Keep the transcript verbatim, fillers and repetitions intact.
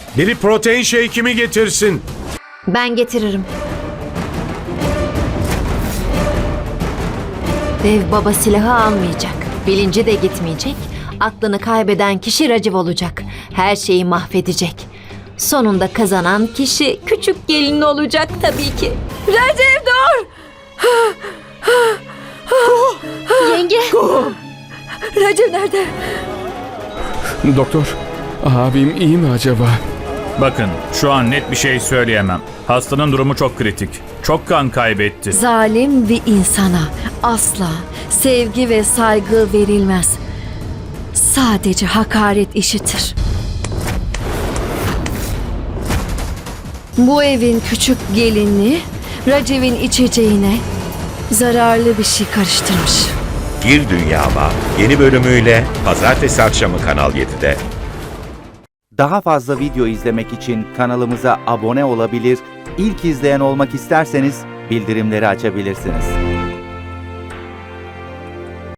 Biri protein shake'imi getirsin. Ben getiririm. Dev baba silahı almayacak. Bilinci de gitmeyecek. Aklını kaybeden kişi Raciv olacak. Her şeyi mahvedecek. Sonunda kazanan kişi küçük gelin olacak tabii ki. Raciv dur! Yenge! Raciv nerede? Doktor, abim iyi mi acaba? Bakın, şu an net bir şey söyleyemem. Hastanın durumu çok kritik. Çok kan kaybetti. Zalim bir insana asla sevgi ve saygı verilmez. Sadece hakaret işitir. Bu evin küçük gelini Raciv'in içeceğine zararlı bir şey karıştırmış. Gir Dünyama yeni bölümüyle pazartesi akşamı Kanal yedide. Daha fazla video izlemek için kanalımıza abone olabilir, ilk izleyen olmak isterseniz bildirimleri açabilirsiniz.